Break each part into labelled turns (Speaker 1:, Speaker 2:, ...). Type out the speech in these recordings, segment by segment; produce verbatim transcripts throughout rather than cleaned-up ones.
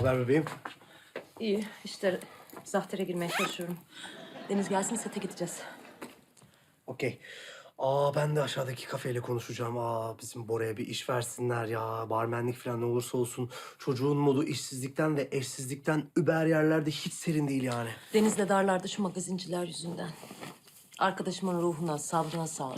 Speaker 1: haber bebeğim?
Speaker 2: İyi, işte zahtere girmeye çalışıyorum. Deniz gelsin, sete gideceğiz.
Speaker 1: Okey. Aa ben de aşağıdaki kafeyle konuşacağım. Aa bizim Bora'ya bir iş versinler ya. Barmenlik falan ne olursa olsun. Çocuğun modu işsizlikten ve eşsizlikten über yerlerde hiç serin değil yani.
Speaker 2: Deniz de darlarda şu magazinciler yüzünden. Arkadaşımın ruhuna, sabrına sağlık.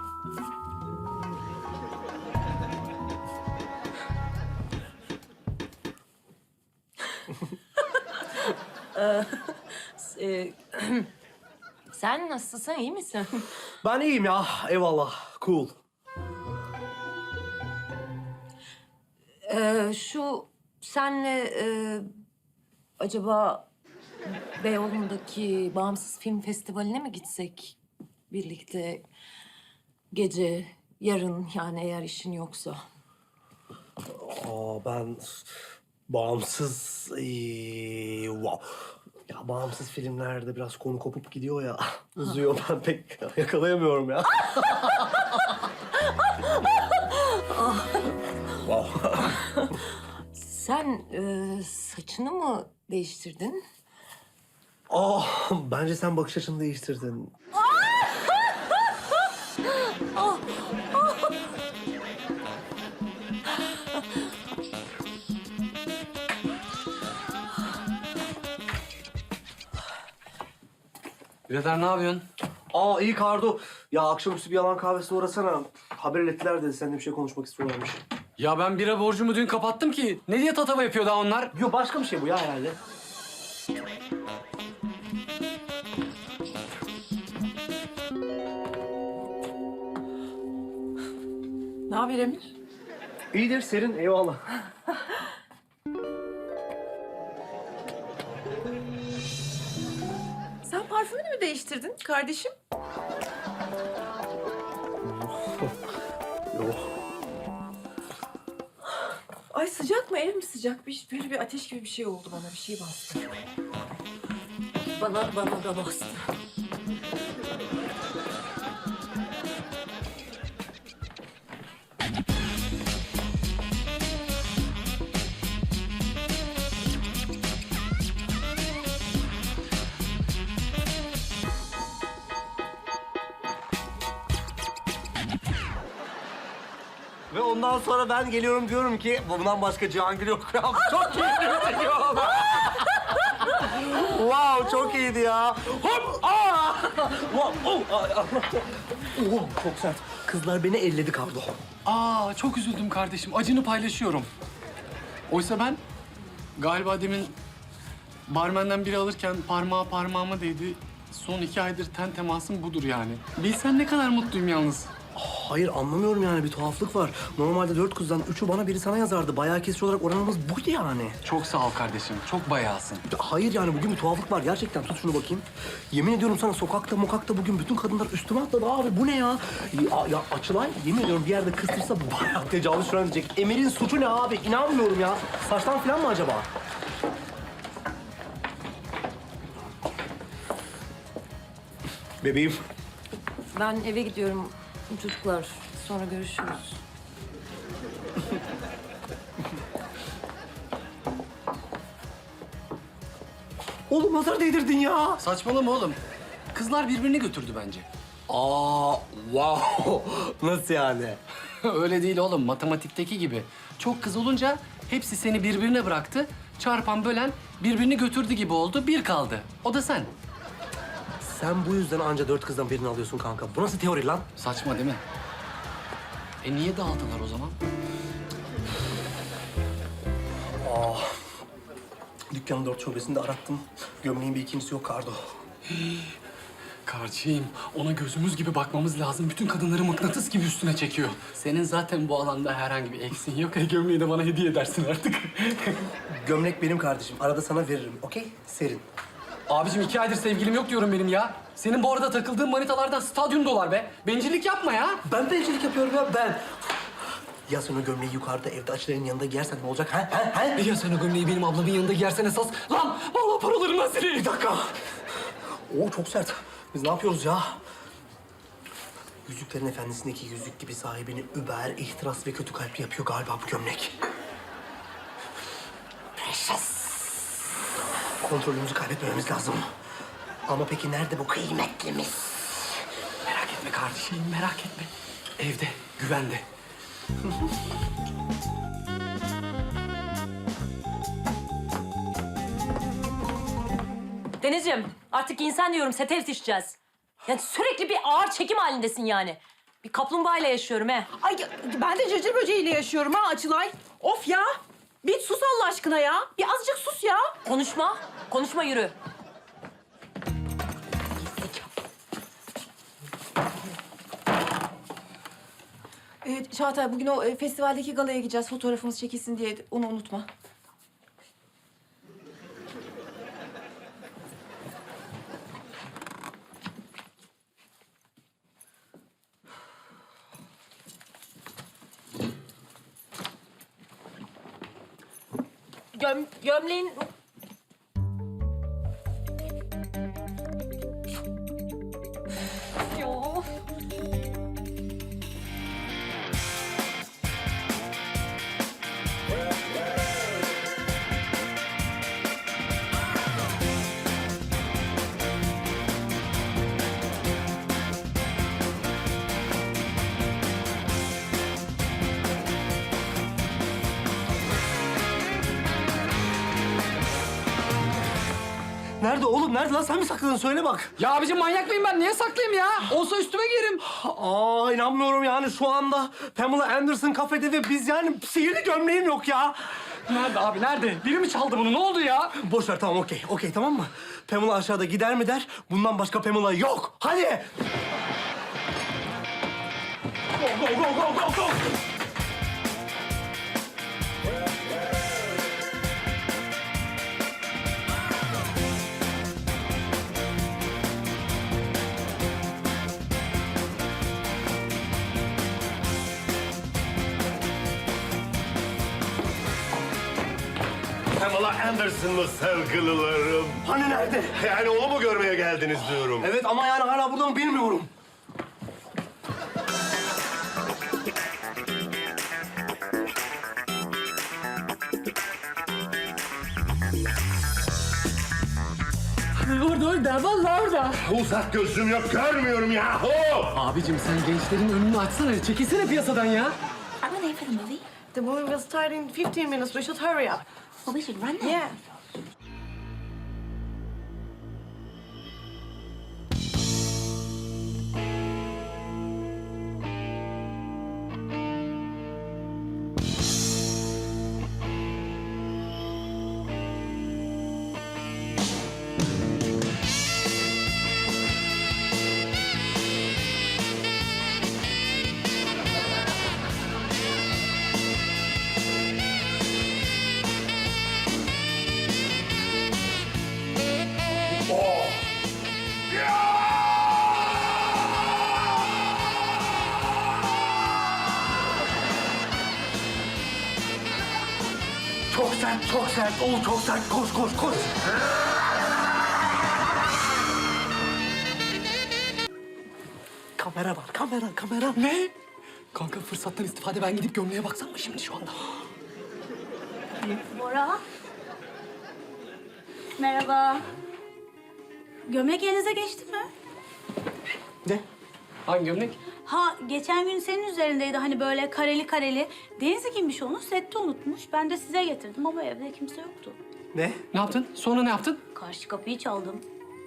Speaker 2: Ee, e, Sen nasılsın, iyi misin?
Speaker 1: Ben iyiyim ya. Eyvallah. Cool.
Speaker 2: Ee, şu senle e, acaba Beyoğlu'ndaki Bağımsız Film Festivali'ne mi gitsek birlikte gece, yarın yani eğer işin yoksa?
Speaker 1: Aa ben bağımsız... ee, wow. Ya bağımsız filmlerde biraz konu kopup gidiyor ya. Uzuyor ben pek yakalayamıyorum ya. Wow.
Speaker 2: Sen e, saçını mı değiştirdin?
Speaker 1: Aa bence sen bakış açını değiştirdin.
Speaker 3: Birader ne yapıyorsun?
Speaker 1: Aa iyi Kardo. Ya akşamüstü bir yalan kahvesine uğrasana. Haber ettiler de seninle bir şey konuşmak istiyorlarmış.
Speaker 3: Ya ben bira borcumu dün kapattım ki. Ne diye tatava yapıyor daha onlar?
Speaker 1: Yo başka bir şey bu ya herhalde.
Speaker 2: Ne haber Emir?
Speaker 1: İyidir serin eyvallah.
Speaker 2: Sen parfümünü mü değiştirdin kardeşim?
Speaker 1: Yok.
Speaker 2: Ay sıcak mı, ev mi sıcak? Bir, böyle bir ateş gibi bir şey oldu bana, bir şey bastı. Bana, bana da bastı.
Speaker 1: Ve ondan sonra ben geliyorum diyorum ki bundan başka Cihangir yok ya. Çok keyifli çekiyor. Wow çok iyiydi ya. Hop! Aa! Wow! Oh! Ay, Allah! Oh, çok sert. Kızlar beni elledi Kardo.
Speaker 3: Aa çok üzüldüm kardeşim. Acını paylaşıyorum. Oysa ben galiba demin barmenden biri alırken parmağı parmağıma değdi. Son iki aydır ten temasım budur yani. Bilsen ne kadar mutluyum yalnız.
Speaker 1: Hayır anlamıyorum yani bir tuhaflık var. Normalde dört kızdan üçü bana biri sana yazardı. Bayağı kesici olarak oranımız buydu yani.
Speaker 3: Çok sağ ol kardeşim. Çok bayağısın.
Speaker 1: Hayır yani bugün bir tuhaflık var gerçekten. Tut şunu bakayım. Yemin ediyorum sana sokakta mokakta bugün bütün kadınlar üstüme atladı abi. Bu ne ya? Ya, ya Açılay yemin ediyorum bir yerde kıstırsa bayağı tecavüz falan diyecek. Emir'in suçu ne abi? İnanmıyorum ya. Saçtan falan mı acaba? Bebeğim.
Speaker 2: Ben eve gidiyorum çocuklar. Sonra görüşürüz.
Speaker 1: Oğlum nazar değdirdin ya.
Speaker 3: Saçmalama oğlum. Kızlar birbirini götürdü bence.
Speaker 1: Aa, wow. Nasıl yani?
Speaker 3: Öyle değil oğlum. Matematikteki gibi. Çok kız olunca hepsi seni birbirine bıraktı. Çarpan bölen birbirini götürdü gibi oldu. Bir kaldı. O da sen.
Speaker 1: Sen bu yüzden anca dört kızdan birini alıyorsun kanka. Bu nasıl teori lan?
Speaker 3: Saçma değil mi? E niye dağıldılar o zaman?
Speaker 1: Dükkanın dört şubesinde arattım. Gömleğin bir ikincisi yok Kardo.
Speaker 3: Kardeşim, ona gözümüz gibi bakmamız lazım. Bütün kadınları mıknatıs gibi üstüne çekiyor. Senin zaten bu alanda herhangi bir eksin yok. E gömleği de bana hediye edersin artık.
Speaker 1: Gömlek benim kardeşim. Arada sana veririm. Okey? Serin.
Speaker 3: Abicim iki aydır sevgilim yok diyorum benim ya. Senin bu arada takıldığın manitalardan stadyum dolar be. Bencillik yapma ya.
Speaker 1: Ben bencillik yapıyorum ya ben. Ya sen o gömleği yukarıda evde Açılay'ın yanında giyersen ne olacak? Ha? Ha? Ha?
Speaker 3: Ya sen o gömleği benim ablamın yanında giyersen esas. Lan vallahi paralarımdan seni.
Speaker 1: Bir dakika. Oo çok sert. Biz ne yapıyoruz ya? Yüzüklerin Efendisi'ndeki yüzük gibi sahibini über, ihtiras ve kötü kalpli yapıyor galiba bu gömlek. Precious. Kontrolümüzü kaybetmememiz lazım. Ama peki nerede bu kıymetlimiz?
Speaker 3: Merak etme kardeşim, merak etme. Evde, güvende.
Speaker 2: Denizciğim artık insan diyorum sete yetişeceğiz. Yani sürekli bir ağır çekim halindesin yani. Bir kaplumbağayla yaşıyorum he.
Speaker 4: Ay ben de cırcır böceğiyle yaşıyorum ha Açılay. Of ya. Bir sus Allah aşkına ya. Bir azıcık sus ya.
Speaker 2: Konuşma, konuşma yürü.
Speaker 4: Evet Çağatay bugün o e, festivaldeki galaya gideceğiz. Fotoğrafımız çekilsin diye onu unutma.
Speaker 2: Göm, gömleğin... Yo.
Speaker 1: Nerede oğlum? Nerede lan? Sen mi sakladın? Söyle bak.
Speaker 3: Ya abicim manyak mıyım ben? Niye saklayayım ya? Olsa üstüme giyerim.
Speaker 1: Aa inanmıyorum yani şu anda Pamela Anderson kafede ve biz yani sihirli gömleğim yok ya.
Speaker 3: Nerede abi, nerede? Biri mi çaldı bunu? Ne oldu ya?
Speaker 1: Boş ver tamam okey. Okey tamam mı? Pamela aşağıda gider mi der? Bundan başka Pamela yok. Hadi. Go go go go go go.
Speaker 5: Pamela Anderson mı sevgililerim?
Speaker 1: Hani nerede?
Speaker 5: Yani onu mu görmeye geldiniz diyorum.
Speaker 1: Evet ama yani hala burada mı bilmiyorum.
Speaker 3: Orada, orada. Vallahi orada.
Speaker 5: Uzak gözüm yok, görmüyorum yahu!
Speaker 3: Abicim sen gençlerin önünü açsana. Çekilsene piyasadan ya.
Speaker 6: Are we late for the movie?
Speaker 4: The movie will start in fifteen minutes. We should hurry up.
Speaker 6: Well, we should run then.
Speaker 4: Yeah.
Speaker 1: Çok sert, çok sert. Oo çok sert. Koş, koş, koş. Kamera var, kamera, kamera.
Speaker 3: Ne? Kanka fırsattan istifade ben gidip gömleğe baksam mı şimdi şu anda?
Speaker 6: Bora. Merhaba. Gömlek elinize geçti mi?
Speaker 1: Ne?
Speaker 3: Hangi gömlek?
Speaker 6: Ha, geçen gün senin üzerindeydi hani böyle kareli kareli. Denizli giymiş onu, sette unutmuş. Ben de size getirdim ama evde kimse yoktu.
Speaker 1: Ne?
Speaker 3: Ne yaptın? Sonra ne yaptın?
Speaker 6: Karşı kapıyı çaldım.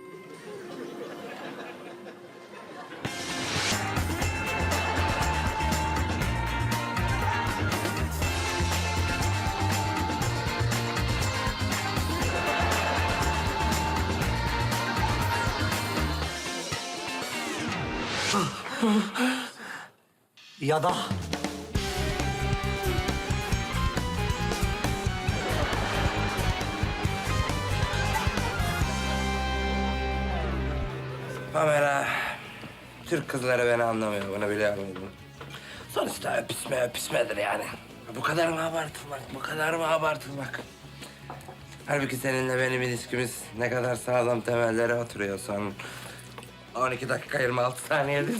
Speaker 1: Ya da...
Speaker 7: Pamela, Türk kızları beni anlamıyor, bunu biliyor muydun? Sonuçta öpüşme öpüşmedir yani. Bu kadar mı abartılmak, bu kadar mı abartılmak? Halbuki seninle benim ilişkimiz ne kadar sağlam temellere oturuyor son on iki dakika yirmi altı saniyedir.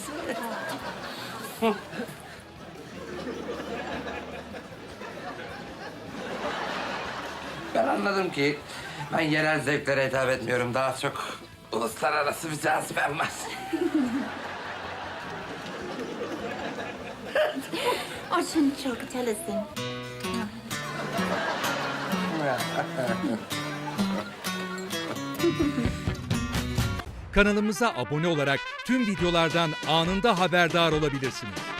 Speaker 7: Ben anladım ki Ben yerel zevklere hitap etmiyorum. Daha çok uluslararası bir cazibem var.
Speaker 8: Orçun çok çalışsın.
Speaker 9: Kanalımıza abone olarak tüm videolardan anında haberdar olabilirsiniz.